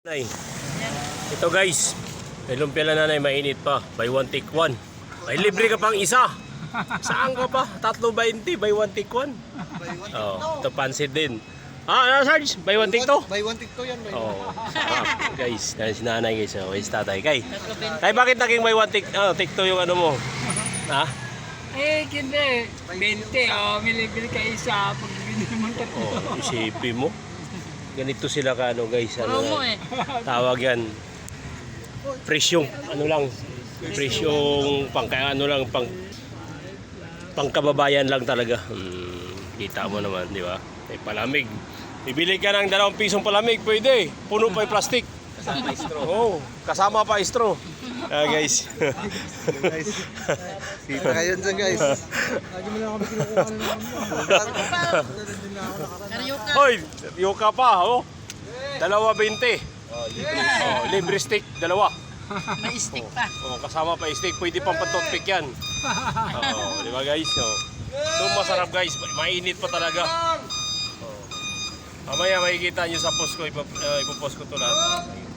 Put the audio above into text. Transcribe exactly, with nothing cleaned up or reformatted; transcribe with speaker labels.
Speaker 1: Nay. Ito guys, may lumpia na nanay, mainit pa. Buy one take one. May libre ka pang isa. Saan ka pa? Tatlo twenty, buy one take one. Oh, ito pansit din. Ah, ano Sarge? Buy one take two?
Speaker 2: Buy one take two yan.
Speaker 1: Oh, sarap. Guys, yan si nanay guys. Oh, is tatay. Kay, tay, bakit naging buy one take, oh, take two yung ano mo? Ha?
Speaker 3: Eh, hindi. twenty, oh, milibili ka isa. Pag binili mo tatlo.
Speaker 1: Oh, isipin mo. Ganito sila ka ano guys, ano
Speaker 3: Promo eh.
Speaker 1: tawag yan. Presyong ano lang, presyong pang ano lang pang pangkababayan lang talaga. Hmm, kita mo naman, di ba? May palamig. Bibili ka ng dalawang pisong palamig, pwede. Puno pa yung plastic. Kasama pa straw. Oh, kasama pa straw. Ah, guys.
Speaker 2: Guys. Sita kayo dyan guys. Lagi mo lang kami kinukuha na naman.
Speaker 1: Hoy, yoka pa, oh. Dalawa bente. Oh, libre stick, dalawa.
Speaker 3: May stick pa.
Speaker 1: Oh, kasama pa stick, pwede pang pantutpik yan. Oh, di ba guys? Oh. Ito masarap guys, mainit pa talaga. Oh. Mamaya makikita nyo sa post ko, ipopost ko ito lahat.